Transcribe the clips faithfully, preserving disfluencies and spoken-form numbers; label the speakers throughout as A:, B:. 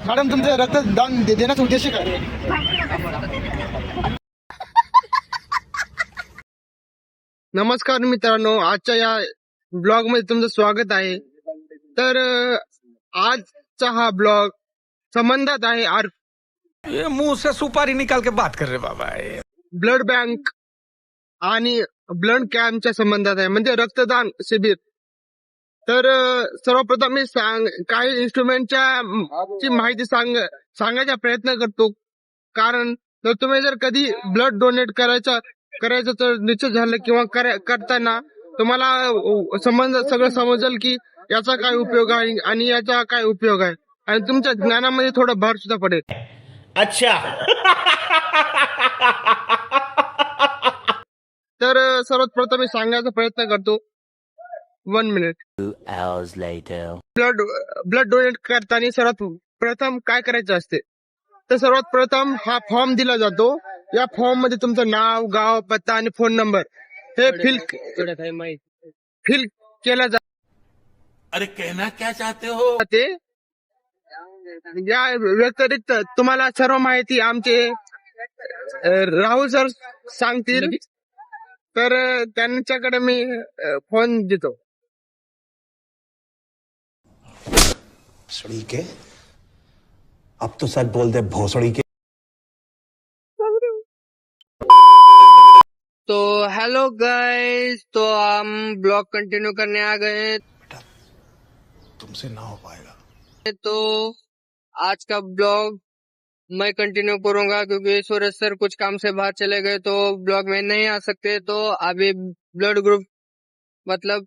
A: Madam तुमचं रक्तदान दे- देण्याचा उद्देश काय? नमस्कार मित्रांनो, आजच्या या ब्लॉग मध्ये तुमचं स्वागत आहे. तर अ, आजचा हा ब्लॉग संबंधात आहे आर
B: ये मुंह से सुपारी निकाल के बात कर रहे बाबा ये।
A: ब्लड बँक आणि ब्लड कॅम्पच्या संबंधात आहे, म्हणजे रक्तदान शिबिर. तर अ, सर्वप्रथम मी सांग काही इन्स्ट्रुमेंटच्या म, ची माहिती सांग सांगायचा प्रयत्न करतो. कारण जर तुम्ही जर कधी ब्लड डोनेट करायचा करायचं तर निश्चित झालं किंवा करा- करताना तुम्हाला अ, संबंध सगळं समजेल की याचा काय उपयोग आहे आणि याचा काय उपयोग आहे, आणि तुमच्या ज्ञानामध्ये थोडं भर सुद्धा पडेल.
C: अच्छा.
A: तर अ, सर्वात प्रथम मी सांगायचा प्रयत्न करतो. One minute.
D: Two hours later.
A: Blood blood donate करताना सर्वात प्रथम काय करायचं असते, तर सर्वात प्रथम हा फॉर्म दिला जातो. या फॉर्म मध्ये तुमचं नाव, गाव, पत्ता आणि फोन नंबर हे फिल फिल केलं
C: अरे कहना क्या चाहते हो?
A: जाते. या व्यतिरिक्त तुम्हाला सर्व माहिती आमचे अ, राहुल सर सांगतील. तर अ, त्यांच्याकडे मी अ, फोन देतो.
E: भोसड़ी के अब तो सच बोल दे भोसड़ी के।
F: तो हेलो गाइस, तो हम ब्लॉग कंटिन्यू करने आ गए हैं.
E: तुमसे ना हो पाएगा।
F: तो आज का ब्लॉग मैं कंटिन्यू करूंगा क्योंकि सूरज सर कुछ काम से बाहर चले गए तो ब्लॉग में नहीं आ सकते. तो अभी ब्लड ग्रुप मतलब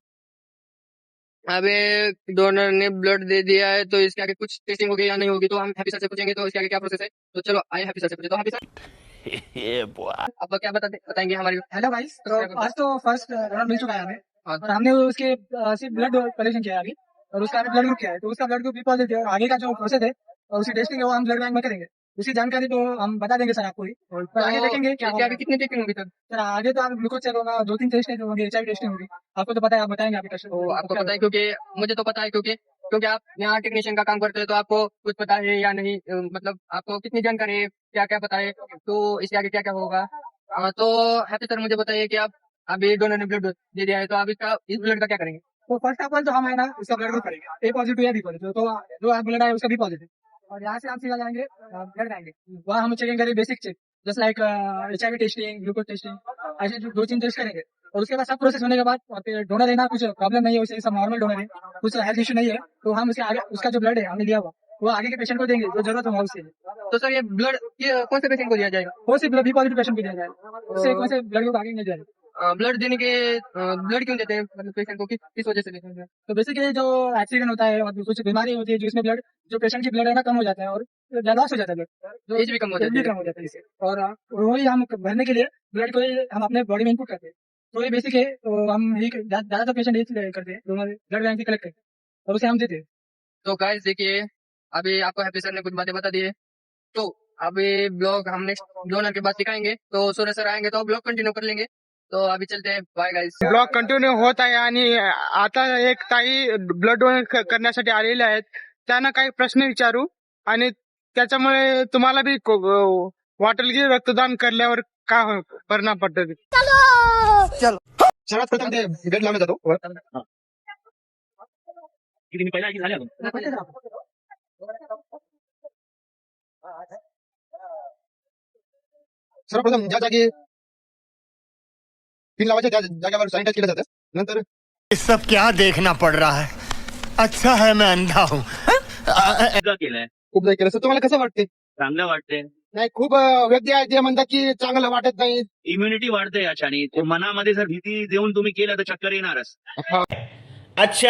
F: अभी डोनर ने ब्लड दे दिया है, तो इसके आगे कुछ टेस्टिंग होगी या नहीं होगी तो हम हैप्पी सर से पूछेंगे. तो इसके आगे क्या प्रोसेस है, तो चलो आइए हैप्पी सर से पूछे. तो हैप्पी सर
D: Yeah, boy.
F: आप क्या बताते बताएंगे हमारी.
G: हेलो गाइस, तो आज तो फर्स्ट राउंड मिल चुका है हमें और हमने उसके अ, सिर्फ ब्लड कलेक्शन किया है अभी, और उसका ब्लड ग्रुप किया है. तो उसका ब्लड ग्रुप भी पॉजिटिव है और आगे का जो प्रोसेस है और उसकी टेस्टिंग है वो हम ब्लड बैंक में करेंगे. उसकी जानकारी तो हम बता देंगे सर आपको ही, पर आगे देखेंगे क्या
F: इसके आगे कितनी टेस्टिंग होगी सर.
G: सर. आगे तो आप ग्लूकोज चेक होगा, दो तीन टेस्ट होंगे, एच आई टेस्टिंग होगी. आपको तो पता है, आप बताएंगे आपके टेस्ट.
F: तो आपको पता है क्योंकि मुझे तो पता है क्योंकि क्योंकि आप यहाँ टेक्नीशियन का काम करते हैं, तो आपको कुछ पता है या नहीं, अ, मतलब आपको कितनी जानकारी है, क्या क्या पता है, तो इसके आगे क्या क्या होगा. अ, तो हैप्पी सर मुझे बताइए कि आप अभी डोनर ने ब्लड दे दिया है, तो आप इसका इस ब्लड का क्या करेंगे.
G: तो फर्स्ट ऑफ ऑल तो हम है ना उसका ब्लड ग्रुप करेंगे, ए पॉजिटिव या बी पॉजिटिव. तो जो ब्लड है उसका बी पॉजिटिव, और यहाँ से हम सीधा जाएंगे ब्लड जाएंगे. वहाँ हम चेकिंग करेंगे basic check, just like H I V testing, glucose testing, ऐसे जो दो तीन टेस्ट करेंगे. और उसके बाद सब प्रोसेस होने के बाद और फिर डोनर है ना, कुछ प्रॉब्लम नहीं है उसे, सब नॉर्मल डोनर है, कुछ हेल्थ इशू नहीं है, तो हम उसके आगे उसका जो ब्लड है हमने लिया हुआ वो आगे के पेशेंट को देंगे जो जरूरत होगा उससे.
F: तो सर ये ब्लड ये कौन से पेशेंट को दिया जाएगा.
G: वो सिर्फ बी पॉजिटिव पेशेंट को दिया जाएगा, उससे कौन से ब्लड को आगे नहीं जाएगा.
F: ब्लड देने के ब्लड क्यों देते हैं, मतलब पेशेंट को किस किस वजह से देते हैं.
G: तो बेसिकली जो एक्सीडेंट होता है और कुछ बीमारी होती है जिसमें ब्लड जो पेशेंट की ब्लड है ना कम हो जाता है और लॉस हो जाता है ब्लड,
F: जो एज भी कम हो
G: एज
F: जाती
G: भी
F: है.
G: कम हो जाता है इससे. और अ, वही हम भरने के लिए ब्लड को ही हम अपने बॉडी में इनपुट करते हैं. तो ये बेसिक है. तो हम यही ज्यादातर पेशेंट यही करते हैं, दोनों ब्लड बैंक से कलेक्ट करते हैं और उसे हम देते हैं.
F: तो गाइस देखिए, अभी आपको हैप्पी सर ने कुछ बातें बता दी है. तो अभी ब्लॉग हम नेक्स्ट डोनर के बाद सिखाएंगे, तो सूर्य सर आएंगे तो ब्लॉग कंटिन्यू कर लेंगे. तो अभी चलते हैं, बाय गाइस.
A: ब्लॉग कंटिन्यू होत आहे आणि आता एक ताई ब्लड डोनेट करण्यासाठी आलेल्या आहेत. त्यांना काही प्रश्न विचारू आणि त्याच्यामुळे तुम्हाला बी को- वाटेल की रक्तदान करल्यावर काय हो- परिणाम पडतो. सर्वात प्रथम ते ब्लड लावला जातो.
C: किती मी पहिला आधी झाले अजून.
A: सर्वप्रथम ज्या जागी पिन लावायच्या त्या जागेवर सॅनिटाईज केलं जातं. नंतर
B: ये सब क्या देखना पड़ रहा है. अच्छा है मैं अंधा हूँ.
C: एकदा केलंय,
A: खूप जागी केलं. सर तुम्हाला कसं वाटते?
C: चांगलं वाटतंय.
A: नाही, खूप अं, व्यक्ती आहेत जे म्हणतात की चांगलं वाटत नाही.
C: इम्युनिटी वाढते याच्याने. ते मनामध्ये जर भीती देऊन तुम्ही केलं तर चक्कर येणारच.
A: हा.
C: अच्छा.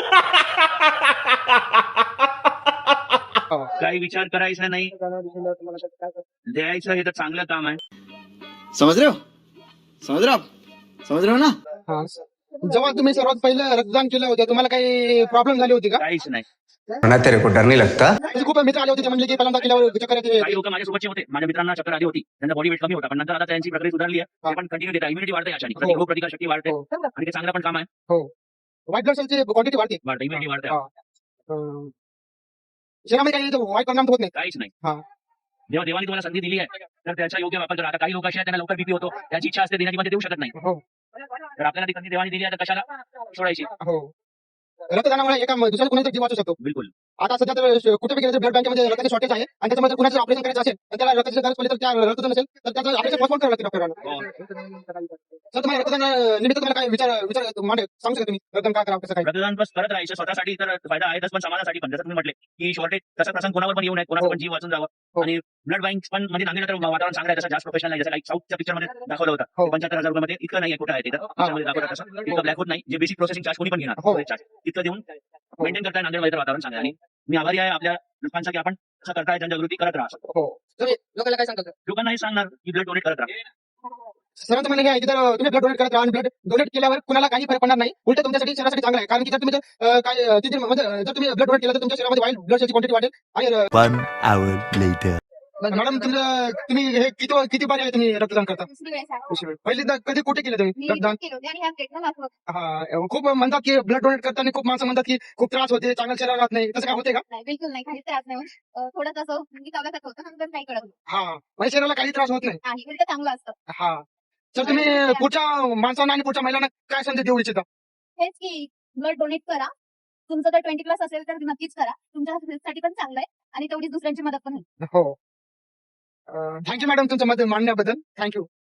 C: काही विचार करायचा नाही, द्यायचं. हे तर चांगलं काम आहे.
H: समझ रहे हो समझ रहे हो आप समझ रहे हो ना.
A: हा. जेव्हा तुम्ही सर्वात पहिलं रक्तदान केलं होतं तुम्हाला काही प्रॉब्लेम झाली होती का?
C: काहीच नाही.
D: तेरे को डर नहीं लगता.
A: म्हणजे खूप मित्र आले होते ते म्हणले की पहिल्यांदा केल्यावर चक्कर येते.
C: काही लोक माझ्यासोबतचे होते, माझ्या मित्रांना चक्कर आली होती, त्यांचा बॉडी वेट कमी होता, पण नंतर आता त्यांची प्रगती सुधारली आहे. ते पण कंटिन्यू देतात. इम्युनिटी वाढते याच्याने,
A: हो.
C: रोग प्रतिकार शक्ती वाढते
A: हो.
C: आणि ते चांगलं पण काम आहे.
A: हो. व्हाईट ब्लड सेलची क्वांटिटी वाढते.
C: वाढते इम्युनिटी वाढते.
A: हा. अं, शरीरामध्ये काही वाईट परिणाम होत नाही.
C: काहीच नाही.
A: हा.
C: जेव्हा देवाने तुम्हाला संधी दिली आहे तर त्याचा योग्य वापर करा. आता काही लोक असे आहेत त्यांना लवकर बीपी होतो, त्याची इच्छा असते देण्याची पण ते देऊ शकत नाही.
A: हो
C: तर आपल्याला ती संधी देवाने दिली आहे तर कशाला सोडायची.
A: हो. रक्तदानामुळे एका दुसऱ्या कुणाचा जीव वाचू शकतो.
C: बिलकुल.
A: आता सध्या तर कुठे गेलं ब्लड बँकेमध्ये रक्ताची शॉर्टेज आहे आणि त्याच्यामध्ये कुणाचं ऑपरेशन करायचं असेल तर त्याला रक्ताची गरज पडली तर त्या रक्तदान नसेल तर त्याचं ऑपरेशन पोस्टपोन करावं लागते डॉक्टरांना.
C: हो.
A: सर तुम्हाला रक्तदान निमित्त तुम्हाला काय विचार विचार मांडे सांगू शकता तुम्ही रक्तदान काय करावं कसं काय.
C: रक्तदान बस करत राहायचं स्वतःसाठी तर फायदा आहेच पण समाजासाठी पण. जसं तुम्ही म्हटले की शॉर्टेज तसा प्रसंग कोणावर पण येऊ नये, कोणाचा पण जीव वाचून जावं.
A: हो.
C: आणि ब्लड बँक पण म्हणजे नांदेड तर वातावरण चांगलं आहे, तसं जास्त प्रोफेशनल नाही. जसं लाईक साऊथच्या पिक्चर मध्ये दाखवलं
A: हो.
C: होतं पंच्याहत्तर हजार रुपयामध्ये इतकं नाही कुठं आहे तिथं पिक्चरमध्ये दाखवलं तसं इतकं ब्लॅक होत नाही. जे बेसिक प्रोसेसिंग चार्ज कोणी पण घेणार
A: हो.
C: चार्ज तितकं देऊन मेंटेन करताय नांदेडमध्ये तर वातावरण चांगलं आहे. आणि मी आभारी आहे आपल्या लोकांचा की आपण असं करताय, जनजागृती करत राहा.
A: हो. तुम्ही लोकांना काय सांगता.
C: लोकांना हे सांगणार की ब्लड डोनेट करत राहा.
A: सर्वांचं म्हणणं हे आहे की जर तुम्ही ब्लड डोनेट करत राहा आणि ब्लड डोनेट केल्यावर कुणाला काही फरक पडणार नाही, उलट तुमच्यासाठी शरीरासाठी चांगलं आहे. कारण की जर तुम्ही जर, अं, काय अं, तिथे म्हणजे जर तुम्ही ब्लड डोनेट केलं तर तुमच्या शरीरामध्ये वाईट ब्लड सेलची क्वांटिटी वाढेल. आणि अं,
D: One hour later.
A: मॅडम तुमचं तुम्ही हे किती किती बारी आहे तुम्ही रक्तदान करता.
I: दुसरी वेळेस आहे.
A: पहिली कधी कुठे केलं तुम्ही
I: मी
A: रक्तदान.
I: केले होते आणि ह्या प्लेटला दाखवत.
A: हा. खूप म्हणतात की ब्लड डोनेट करताना खूप माणसं म्हणतात की खूप त्रास होते, चांगलं शरीर राहत नाही, तसं काय होते का.
I: नाही बिलकुल नाही, काहीच त्रास नाही होत. अं, थोडं तसं मी चावल्यासारखं होतं, नंतर काही कळत नाही.
A: हा. माझ्या शरीराला काही त्रास होत नाही.
I: नाही उलट चांगलं असतं.
A: हा. तर तुम्ही पुढच्या माणसांना आणि पुढच्या महिलांना काय संदेश देऊ इच्छिता.
I: हेच की ब्लड डोनेट करा. तुमचं जर ट्वेंटी प्लस असेल तर नक्कीच करा. तुमच्या हेल्थसाठी पण चांगलं आहे आणि तेवढीच दुसऱ्यांची मदत पण होईल.
A: हो. थँक्यू मॅडम तुमचं मत मांडण्याबद्दल. थँक्यू.